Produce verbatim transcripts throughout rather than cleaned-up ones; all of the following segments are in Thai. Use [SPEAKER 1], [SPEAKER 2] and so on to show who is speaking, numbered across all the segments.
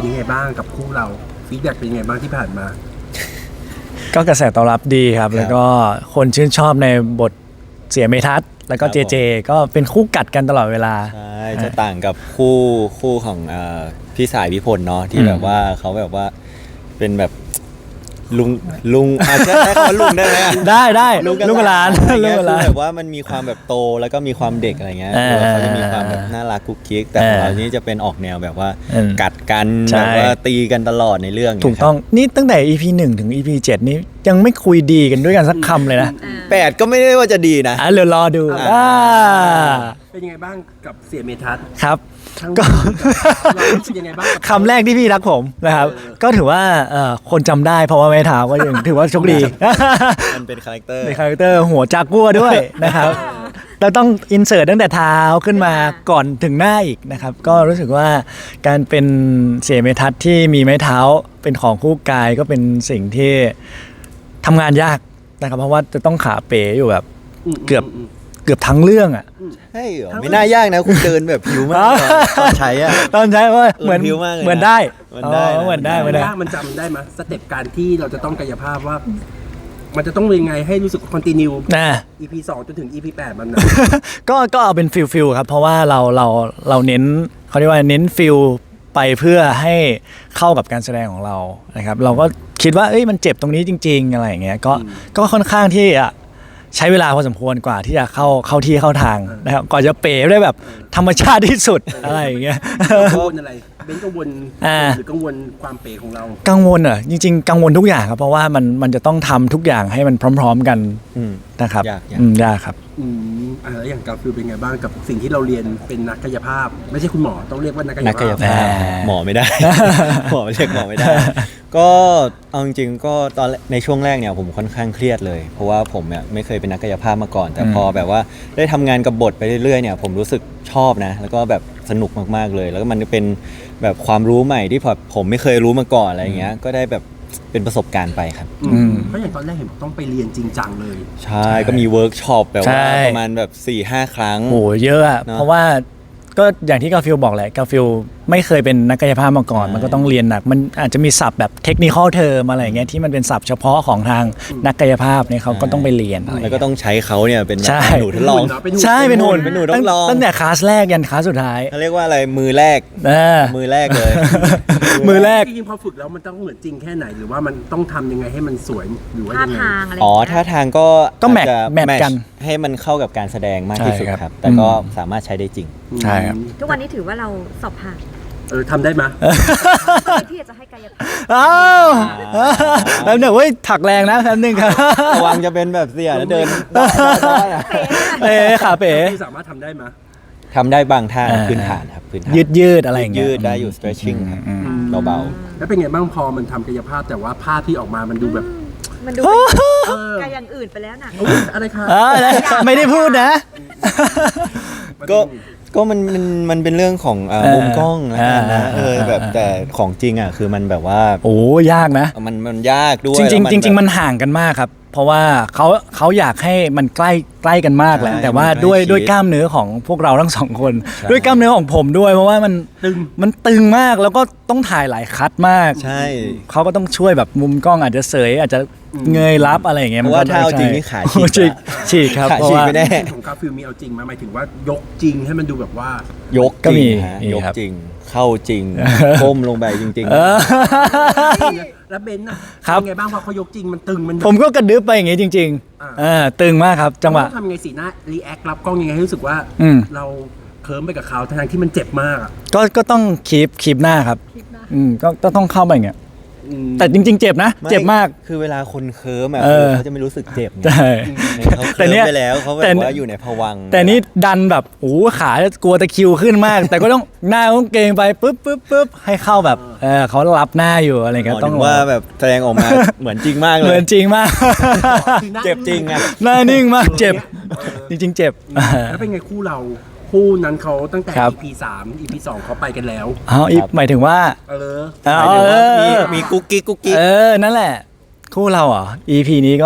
[SPEAKER 1] ยังไงบ้างกับคู่เราฟีดแบ็กเป็นยังไงบ้างที่ผ่านมา
[SPEAKER 2] ก็กระแสตอบรับดีครับแล้วก็คนชื่นชอบในบทเสียเมทัศน์แล้วก็เจเจก็เป็นคู่กัดกันตลอดเวลา
[SPEAKER 3] ใช่จะต่างกับคู่คู่ของเอ่อพี่สายพิพลเนาะที่แบบว่าเขาแบบว่าเป็นแบบลุงลุงอาจจะใช้คำว่าลุงได้ไหม
[SPEAKER 2] ได้ได้
[SPEAKER 3] ลุงกับหลานลุงกับหลานแบบว่ามันมีความแบบโตแล้วก็มีความเด็กอะไรเงี้ยเขาจะมีความแบบน่ารักกุ๊กกิ๊กแต่ของเรานี้จะเป็นออกแนวแบบว่ากัดกันแบบว่าตีกันตลอดในเรื่อง
[SPEAKER 2] ถูกต้องนี่ตั้งแต่ อี พี หนึ่งถึง อี พี เจ็ดนี่ยังไม่คุยดีกันด้วยกันสักคำเลยนะ
[SPEAKER 3] แปดก็ไม่ได้ว่าจะดีนะ
[SPEAKER 2] อ่ะเดี๋ยวรอดูอ่า
[SPEAKER 1] เป็นยังไงบ้างกับเสียเมทัศน์
[SPEAKER 2] ครับ
[SPEAKER 1] ก็รู้สึกยังไงบ้าง
[SPEAKER 2] คำแรกที่พี่รักผมนะครับก็ถือว่าคนจำได้เพราะว่าไม่ถามก็ยังถือว่าโชคดี
[SPEAKER 3] มันเป็นคาแรคเตอร์
[SPEAKER 2] เป็นคาแรคเตอร์หัวจากัวด้วยนะครับเราต้องอินเสิร์ตตั้งแต่เท้าขึ้นมาก่อนถึงหน้าอีกนะครับก็รู้สึกว่าการเป็นเสียเมทัศน์ที่มีไม้เท้าเป็นของคู่กายก็เป็นสิ่งที่ทำงานยากนะครับเพราะว่าจะต้องขาเป๋อยู่แบบเกือบเกือบทั้งเรื่องอ่ะ
[SPEAKER 3] ใช่เหรอไม่น่ายากนะคุณเดินแบบผิวมากตอนใช้อ่ะ
[SPEAKER 2] ตอนใช้ว่าเหมือนเหมือนได้
[SPEAKER 3] เหมือนได้
[SPEAKER 2] เหมือนได้เหมือนได้
[SPEAKER 1] มันจำได้ไหมสเต็ปการที่เราจะต้องกายภาพว่ามันจะต้องเป็นยังไงให้รู้สึกคอนติเนียนะ อี พี สองจนถึง อี พี แปดมันนะ
[SPEAKER 2] ก็ก็เอาเป็นฟิลฟิลครับเพราะว่าเราเราเราเน้นเขาเรียกว่าเน้นฟิลไปเพื่อให้เข้ากับการแสดงของเรานะครับเราก็คิดว่าเอ้ยมันเจ็บตรงนี้จริงๆอะไรอย่างเงี้ยก็ก็ค่อนข้างที่จะใช้เวลาพอสมควรกว่าที่จะเข้าเข้าที่เข้าทางนะครับก่อนจะเป๋ได้แบบธรรมชาติที่สุดอะไรอย่างเงี้ย
[SPEAKER 1] กังวลอะไรเบนกังวลหรือกังวลความเป๋ของเรา
[SPEAKER 2] กังวลเหรอจริงๆกังวลทุกอย่างครับเพราะว่ามันมันจะต้องทำทุกอย่างให้มันพร้อมๆกันนะครับ
[SPEAKER 3] ยาก
[SPEAKER 2] ยากครับ
[SPEAKER 1] อืมอ่าแล้วอย่างกาฟิลเป็นไงบ้างกับสิ่งที่เราเรียนเป็นนักกายภาพไม่ใช่คุณหมอต้องเรียกว่านักกายภาพ
[SPEAKER 3] หมอไม่ได้หมอเรียกหมอไม่ได้ก็เอาจริงๆก็ตอนในช่วงแรกเนี่ยผมค่อนข้างเครียดเลยเพราะว่าผมเนี่ยไม่เคยเป็นนักกายภาพมาก่อนแต่พอแบบว่าได้ทำงานกับบทไปเรื่อยๆเนี่ยผมรู้สึกชอบนะแล้วก็แบบสนุกมากๆเลยแล้วก็มันเป็นแบบความรู้ใหม่ที่ผมไม่เคยรู้มาก่อนอะไรอย่างเงี้ยก็ได้แบบเป็นประสบการณ์ไปครับ
[SPEAKER 1] เพราะอย่างตอนแรกเห็นต้องไปเรียนจริงจังเลย
[SPEAKER 3] ใช่ก็มีเวิร์กช็อปแบบว่าประมาณแบบ สี่ห้า ครั้ง
[SPEAKER 2] โอ้เยอะอะเพราะว่าก็อย่างที่กาฟิลบอกแหละกาฟิลไม่เคยเป็นนักกายภาพมาก่อนมันก็ต้องเรียนหนักมันอาจจะมีศัพท์แบบเทคนิคอลเทอมอะไรเงี้ยที่มันเป็นศัพท์เฉพาะของทางนักกายภาพเนี่ยเขาก็ต้องไปเรียน
[SPEAKER 3] แล้วก็ต้องใช้เขาเนี่ยเป็นแบบหนูทดลอง
[SPEAKER 2] ใช่เป็นหุ่น
[SPEAKER 3] เป็นหนูทดลอง
[SPEAKER 2] ตั้งแต่คลาสแรกยันคลาสสุดท้าย
[SPEAKER 3] เขาเรียกว่าอะไรมือแรกมือแรกเลย
[SPEAKER 2] มือแรก
[SPEAKER 1] จริงๆพอฝึกแล้วมันต้องเหมือนจริงแค่ไหนหรือว่ามันต้องทำยังไงให้มันสวยหรือว่ายังไง
[SPEAKER 3] อ๋อท่าทางก็
[SPEAKER 2] ก็แมทแมทกัน
[SPEAKER 3] ให้มันเข้ากับการแสดงมากที่สุดครับแต่ก็สามารถใช้ได้จริง
[SPEAKER 2] ใช่ครับ
[SPEAKER 4] ทุกวันนี้ถือว่าเราสอบผ่าน
[SPEAKER 1] เออทำได้ไหม
[SPEAKER 4] ที่จะให้กายภาพ
[SPEAKER 2] อ้าวแล้วเนี่ยเว้ยถักแรงนะแป๊บนึงครับ
[SPEAKER 3] ระวังจะเป็นแบบเสียแล้วเดิน
[SPEAKER 2] เป๋ขาเป๋
[SPEAKER 1] สามารถทำได้ไหม
[SPEAKER 3] ทำได้บางท่าพื้นฐานครับพื้นฐาน
[SPEAKER 2] ยืดยืดอะไรอย่างเงี้
[SPEAKER 3] ยยืดได้อยู่ stretching ครับเบา
[SPEAKER 1] ๆแล้วเป็นไงบ้างพอมันทำกายภาพแต่ว่าภาพที่ออกมามันดูแบบ
[SPEAKER 4] มันดูกายอย่างอื่นไปแล้วนะ
[SPEAKER 1] อะไรคะ
[SPEAKER 2] ไม่ได้พูดนะ
[SPEAKER 3] ก็ก็มันมันมันเป็นเรื่องของมุมกล้องนะเออแบบแต่ของจริงอ่ะคือมันแบบว่า
[SPEAKER 2] โอ้ยากนะ
[SPEAKER 3] มันมันยากด้วย
[SPEAKER 2] จริงจริงจริงมันห่างกันมากครับเพราะว่าเขาเขาอยากให้มันใกล้ใกล้กันมากแหละแต่ว่าด้วยด้วยกล้ามเนื้อของพวกเราทั้งสองคนด้วยกล้ามเนื้อของผมด้วยเพราะว่ามันตึงมันตึงมากแล้วก็ต้องถ่ายหลายคัทมาก
[SPEAKER 3] ใช่
[SPEAKER 2] เขาก็ต้องช่วยแบบมุมกล้องอาจจะเสยอาจจะเงยรับอะไรอย่างเงี้ย
[SPEAKER 3] เพราะว่าถ้าเอาจริงนี่ขาฉีก
[SPEAKER 2] ฉีกครับ
[SPEAKER 3] เพราะว่า
[SPEAKER 1] ของกาฟิลมีเอาจริงมาหมายถึงว่ายกจริงให้มันดูแบบว่าย
[SPEAKER 3] กก็มียกจริงเข้าจริงก้มลงไปจริงๆ
[SPEAKER 1] แล้วเบนน่ะเป็นไงบ้างพอเขายกจริงมันตึงมัน
[SPEAKER 2] ผมก็กระดึ๊บไปอย่างงี้จริงๆอ่าตึงมากครับจังหวะ
[SPEAKER 1] ทำยังไงสีหน้ารีแอครับกล้องยังไงให้รู้สึกว่าเราเคิร์มไปกับเขาทั้งที่มันเจ็บมากอ่ะ
[SPEAKER 2] ก็ก็ต้องคีบคีบหน้าครับอืมก็ต้องเข้าไปอย่างเงี้ยแต่จริงๆเจ็บนะเจ็บมาก
[SPEAKER 3] คือเวลาคนเคิร์มอ่ะเขาจะไม่รู้สึกเจ็บ
[SPEAKER 2] ใช่
[SPEAKER 3] แต่เนี้ยไปแล้วเขาแบบว่าอยู่ในภวังค์
[SPEAKER 2] แต่นี่ดันแบบโอ้ขากลัวตะคิวขึ้นมากแต่ก็ต้องหน้าต้องเกรงไปปุ๊บปุ๊บปุ๊บให้เข้าแบบเออเขารับหน้าอยู่อะไรเงี้ย
[SPEAKER 3] ต้องว่าแบบแสดงออกมาเหมือนจริงมากเลย
[SPEAKER 2] เหมือนจริงมาก
[SPEAKER 3] เจ็บจริงอ่ะ
[SPEAKER 2] หน้านิ่งมากเจ็บจริงๆเจ็บ
[SPEAKER 1] แล้วเป็นไงคู่เราคู่นั้นเขาตั้งแต่ อี พี สาม อี พี สองเขาไปกันแล้ว
[SPEAKER 2] อ๋อหมายถึงว่า
[SPEAKER 1] เออ
[SPEAKER 3] มีมีกุ๊กกิ๊กกุ๊กกิ๊ก
[SPEAKER 2] เออนั่นแหละคู่เราอ่ะ อี พี นี้ก็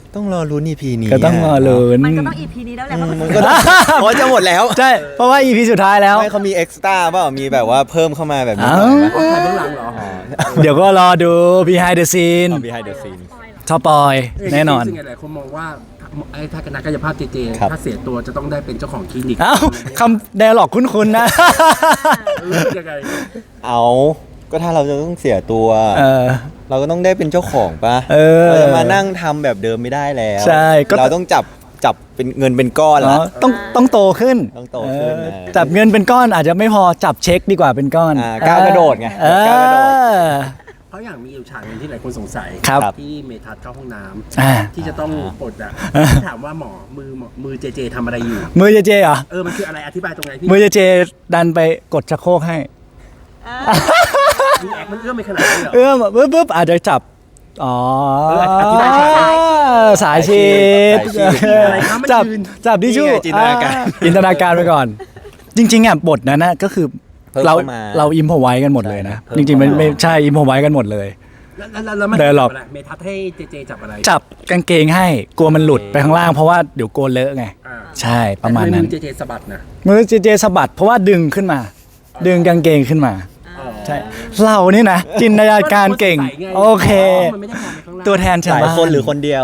[SPEAKER 3] ต้องรอลุ้น อี พี นี้
[SPEAKER 2] ก็ต้องรอลุ้น
[SPEAKER 4] มันก็ต้อง อี พี นี้แล้วแหละเพราะ
[SPEAKER 3] มันก็ต้องโอ้ยจะหมดแล้ว
[SPEAKER 2] ใช่เพราะว่า อี พี สุดท้ายแล้ว
[SPEAKER 3] ไม่เขามีเอ็กซ์ตร้าเปล่ามีแบบว่าเพิ่มเข้ามาแบบนี้
[SPEAKER 2] อ้าว
[SPEAKER 3] หน่อยไหม
[SPEAKER 1] คนไทยเบื้องหลังเหรอ
[SPEAKER 2] เดี๋ยวก็รอดู behind the scene
[SPEAKER 3] เอา behind the scene
[SPEAKER 2] ท็อปปอยแน่นอน
[SPEAKER 1] ซึ่งหลายคนมองว่าไอ้ถ้าคณะกายภาพเจเจ
[SPEAKER 3] ครับ
[SPEAKER 1] ถ้าเสียตัวจะต้องได้เป็นเจ้าของคลินิก
[SPEAKER 2] เอ้าคำ dialog คุ้นๆนะ
[SPEAKER 1] รู้สึกยังไง
[SPEAKER 3] เอาก็ถ้าเราจะต้องเสียตัว
[SPEAKER 2] เออ
[SPEAKER 3] เราก็ต้องได้เป็นเจ้าของปะ
[SPEAKER 2] เออ
[SPEAKER 3] เราจะมานั่งทำแบบเดิมไม่ได้แล้ว
[SPEAKER 2] ใช่ก็
[SPEAKER 3] เราต้องจับจับเป็นเงินเป็นก้อน
[SPEAKER 2] อ๋
[SPEAKER 3] ละ
[SPEAKER 2] อต้องต้องโตขึ้น
[SPEAKER 3] ต้องโตขึ้น
[SPEAKER 2] เออ
[SPEAKER 3] นะ
[SPEAKER 2] จับเงินเป็นก้อนอาจจะไม่พอจับเช็คดีกว่าเป็นก้อน
[SPEAKER 3] อ่าก้าวกระโดดไง
[SPEAKER 2] เออ
[SPEAKER 3] ก้าวกระโดด
[SPEAKER 1] เพราะอย่างมีอยู่ฉากหนึงที่หลายคนสงสัย
[SPEAKER 2] ครับ
[SPEAKER 1] ที่เมทัศน์เข้าห้องน้ำ
[SPEAKER 2] อ่า
[SPEAKER 1] ที่จะต้องปลดอ่ะถามว่าหมอมือหมอมือเจเจทำอะไรอยู่
[SPEAKER 2] มือเจเจเหรอ
[SPEAKER 1] เออมันคืออะไรอธิบายตรงไหนพี่
[SPEAKER 2] มือเจเจดันไปกดชักโครกให้
[SPEAKER 1] มีแอคมันเอื้อมไปขนาดนี้เหรอ
[SPEAKER 2] เอื้อมปุ๊บปุ๊บอาจจะจับ อ๋อ
[SPEAKER 1] เอออธิบายฉากหน่อย
[SPEAKER 2] สายชีด
[SPEAKER 3] สายชีท
[SPEAKER 1] อะไรครับมัน
[SPEAKER 2] จับ
[SPEAKER 1] ยืน
[SPEAKER 2] จับดิชู่
[SPEAKER 3] นี่ไงจินตนาการ
[SPEAKER 2] อ่จินตนาการไปก่อน จริงๆอ่ะบทนั้นนะก็คือ
[SPEAKER 3] เพิ่ม
[SPEAKER 2] เรา
[SPEAKER 3] เข้ามา
[SPEAKER 2] เราอิมพอไว้กันหมดเลยนะ
[SPEAKER 3] ใช่
[SPEAKER 2] จริงๆมัน
[SPEAKER 3] เพิ่มเข้ามา
[SPEAKER 2] ไม่ใช่อิมพอไว้กันหมดเลย
[SPEAKER 1] แล้วแล้วแล้วมัน
[SPEAKER 2] เดินหร
[SPEAKER 1] จั
[SPEAKER 2] อก
[SPEAKER 1] บอะไรเมทัศน์ให้เจเจจับอะไร
[SPEAKER 2] จับกางเกงให้กลัวมันหลุดไปข้างล่างเพราะว่าเดี๋ยวโกนเลอะไง
[SPEAKER 1] อ่า
[SPEAKER 2] ใช่ประมาณนั้น
[SPEAKER 1] แต่ทำไมือเจเจสะบัดนะ
[SPEAKER 2] มือเจเจสะบัดเพราะว่าดึงขึ้นมา ดึงกางเกงขึ้นมา
[SPEAKER 1] อ๋อ
[SPEAKER 2] ใช่เรานี่นะ จินตนาการเก่ง
[SPEAKER 1] มันใส่ไ
[SPEAKER 2] โอเค
[SPEAKER 1] มันไม่ได้มองไปข้างล่าง
[SPEAKER 2] ตัวแทนชาว
[SPEAKER 3] หลาย
[SPEAKER 2] บ้าน
[SPEAKER 3] คนหรือคนเดียว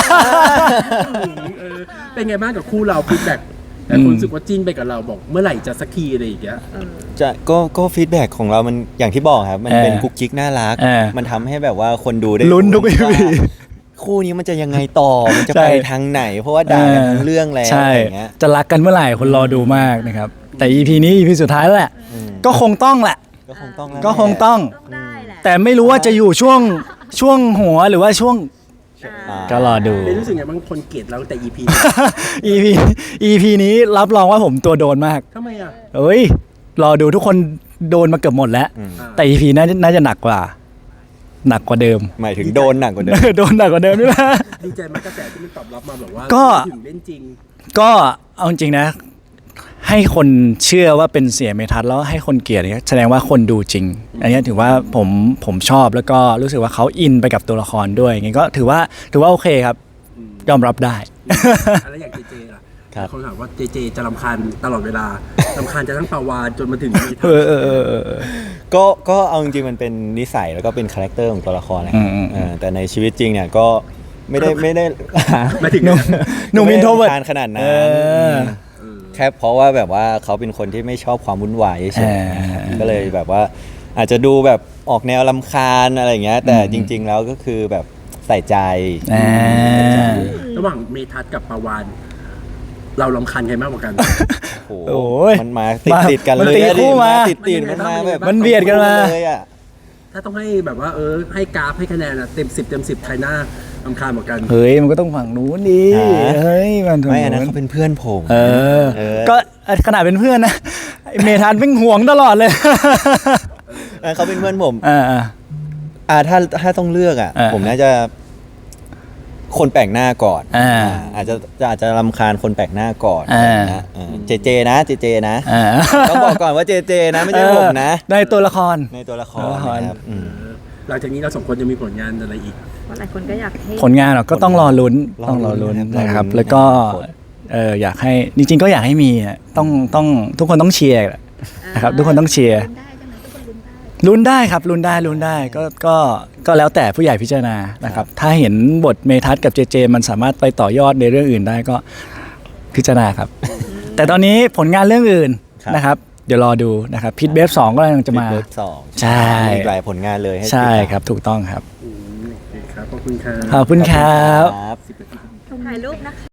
[SPEAKER 1] เออเป็นไงบ้างกับคู่เราฟีดแบ็กแต่คนรู้สึกว่าจิ้นไปกับเราบอกเมื่อไหร่จะสักทีอะไรอย่างเงี้ย
[SPEAKER 3] จะก็ก็ฟีดแบ็กของเรามันอย่างที่บอกครับ มัน
[SPEAKER 2] เออ
[SPEAKER 3] เป็นกุ๊กกิ๊กน่ารัก
[SPEAKER 2] เออ
[SPEAKER 3] มันทำให้แบบว่าคนดูได้
[SPEAKER 2] ลุ้นทุก
[SPEAKER 3] ว่า
[SPEAKER 2] อีพี
[SPEAKER 3] คู่นี้มันจะยังไงต่อ มันจะ
[SPEAKER 2] ใช่
[SPEAKER 3] ไปทางไหน เพราะว่าด่ากันทั้งเรื่องแล้ว
[SPEAKER 2] ใช่
[SPEAKER 3] อะไรอย่างเงี้ย
[SPEAKER 2] จะรักกันเมื่อไหร่คนรอดูมากนะครับ แต่ อี พี นี้ อี พี สุดท้ายแล้วแหละ
[SPEAKER 3] อืม
[SPEAKER 2] ก็คงต้องแหละ
[SPEAKER 3] ก็คงต้องแล้ว
[SPEAKER 2] ก็คงต้อง
[SPEAKER 4] ต้องได้แหละ
[SPEAKER 2] แต่ไม่รู้ว่าจะอยู่ช่วงช่วงหัวหรือว่าช่วง
[SPEAKER 3] อ่า
[SPEAKER 2] ก็รอดู
[SPEAKER 1] เป็นรู้สึกไงบางคนเกลียดเราแต่ อี พี
[SPEAKER 2] อี พี อี พี นี้รับรองว่าผมตัวโดนมาก
[SPEAKER 1] ทำไมอ่ะ
[SPEAKER 2] เอ้ย รอดูทุกคนโดนมาเกือบหมดแล้ว
[SPEAKER 3] อืม
[SPEAKER 2] แต่ อี พี น่าจะน่าจะหนักกว่า หนักกว่าเดิม
[SPEAKER 3] หมายถึงโดนหนักกว่าเดิม
[SPEAKER 2] โดนหนักกว่าเดิมนี่แหละ
[SPEAKER 1] ดีใจไหมกระแสที่มันตอบรับมาแบบว่า
[SPEAKER 2] ก็
[SPEAKER 1] ถึงเล่นจริง
[SPEAKER 2] ก็เอาจริงๆนะ ให้คนเชื่อว่าเป็นเสียเมทัศน์แล้วให้คนเกลียดเนี่ยแสดงว่าคนดูจริง อันนี้ถือว่าผมผมชอบแล้วก็รู้สึกว่าเขาอินไปกับตัวละครด้วยอย่างงี้ก็ถือว่าถือว่าโอเคครับ ยอมรับได้
[SPEAKER 1] อะไรอย่างเจเจล่ะ
[SPEAKER 3] ครับ
[SPEAKER 1] คนถามว่าเจเจจะรำคาญตลอดเวลารำคาญจะทั้งปาวานจนมาถึงเมทัศน์
[SPEAKER 2] เออเออเออเออเออ
[SPEAKER 3] ก็ก็เอาจริงๆมันเป็นนิสัยแล้วก็เป็นคาแรคเตอร์ของตัวละครนะ
[SPEAKER 2] อืมอืม
[SPEAKER 3] เออแต่ในชีวิตจริงเนี่ยก็ไม่ได้ไม่ได้
[SPEAKER 1] หมายถึง
[SPEAKER 2] หนุ่มหนุ่ม
[SPEAKER 3] ไม่
[SPEAKER 2] อิน
[SPEAKER 3] ได้
[SPEAKER 2] โทรเวิร์
[SPEAKER 3] รำคาญขนาดนั้น
[SPEAKER 2] เออ
[SPEAKER 3] แค่เพราะว่าแบบว่าเขาเป็นคนที่ไม่ชอบความวุ่นวายเฉย
[SPEAKER 2] เออ
[SPEAKER 3] ๆก็เลยแบบว่าอาจจะดูแบบออกแนวลำคาญอะไรอย่างเงี้ย แต่จริง ๆ แล้วก็คือแบบใส่ใจ
[SPEAKER 2] อ่า
[SPEAKER 1] ระหว่างเมทัศน์กับปาวานเรารำคาญใครมากกว่ากัน
[SPEAKER 3] โอ้โห
[SPEAKER 2] โอ้ย
[SPEAKER 3] มันมาติด
[SPEAKER 2] มา
[SPEAKER 3] ติดๆกัน
[SPEAKER 2] มัน
[SPEAKER 3] เลย
[SPEAKER 2] ตี
[SPEAKER 3] อะ
[SPEAKER 2] คู่มา
[SPEAKER 3] ติดติดๆมันมาแบบ
[SPEAKER 2] มันเบียดกันมา
[SPEAKER 3] เลยอะ
[SPEAKER 1] ถ้าต้องให้แบบว่าเออให้กราฟให้คะแนนอะเต็มสิบเต็มสิบใครหน้ารำคาญกว่ากัน
[SPEAKER 2] เฮ้ยมันก็ต้องฝั่งนู้นดิเฮ้ยมันฝั่ง
[SPEAKER 3] ไม่อันนั้น
[SPEAKER 2] นู้น
[SPEAKER 3] เขาเป็นเพื่อนผม
[SPEAKER 2] เออ
[SPEAKER 3] เออ
[SPEAKER 2] ก็ขนาดเป็นเพื่อนนะไอ้เมทันเป็นห่วงตลอดเลย
[SPEAKER 3] เออเขาเป็นเพื่อนผม
[SPEAKER 2] อ่าอ่า
[SPEAKER 3] อ่าถ้าถ้าต้องเลือกอ่ะ
[SPEAKER 2] อ่า
[SPEAKER 3] ผมน่าจะคนแปลกหน้าก่อน
[SPEAKER 2] อ่า
[SPEAKER 3] อ่าอาจจะอาจจะรำคาญคนแปลกหน้าก่อน
[SPEAKER 2] อ่า
[SPEAKER 3] นะเออเจเจนะเจเจนะ
[SPEAKER 2] อ่า
[SPEAKER 3] ต้องบอกก่อนว่าเจเจนะไม่ใช่ผมนะ
[SPEAKER 2] ในตัวละคร
[SPEAKER 3] ในตัวละคร
[SPEAKER 2] ตัวละคร
[SPEAKER 3] นะครับอืม
[SPEAKER 1] หลังจากนี้เราสองคนจะมีผลงานอะไรอีก
[SPEAKER 4] เพราะหลายคนก็อยากให้
[SPEAKER 2] ผลงานเราก็ต้องรอลุ้น
[SPEAKER 3] รอลุ้น
[SPEAKER 2] ต้องรอลุ้น
[SPEAKER 3] นะครับ
[SPEAKER 2] นะครับ
[SPEAKER 3] รอลุ้น
[SPEAKER 2] แล้วก็
[SPEAKER 3] ผล
[SPEAKER 2] เอออยากให้จริงๆก็อยากให้มีอะต้องต้องทุกคนต้องเชียร์แหละนะครับทุกคนต้องเชียร์
[SPEAKER 4] ได้ใช่ไหมทุกคนลุ้นได้
[SPEAKER 2] ลุ้นได้ครับลุ้นได้ลุ้นได้ก็ก็ก็แล้วแต่ผู้ใหญ่พิจารณานะครับถ้าเห็นบทเมทัศน์กับเจเจมันสามารถไปต่อยอดในเรื่องอื่นได้ก็พิจารณาครับ แต่ตอนนี้ผลงานเรื่องอื่น
[SPEAKER 3] ครับ
[SPEAKER 2] นะครับ เดี๋ยวรอดูนะครับพิทเบฟสองก็กำลังจะมา
[SPEAKER 3] เบิร์ดสอง
[SPEAKER 2] ใช่
[SPEAKER 3] มีอีกหลายผลงานเลยให้ติดตาม
[SPEAKER 2] ใช่ครับถูกต้องครับ
[SPEAKER 1] อืมโอเคครับขอบคุณครับ
[SPEAKER 2] ขอบคุณครับ
[SPEAKER 3] ครับ
[SPEAKER 1] สิบนาที
[SPEAKER 4] ถ่ายรูปนะคะ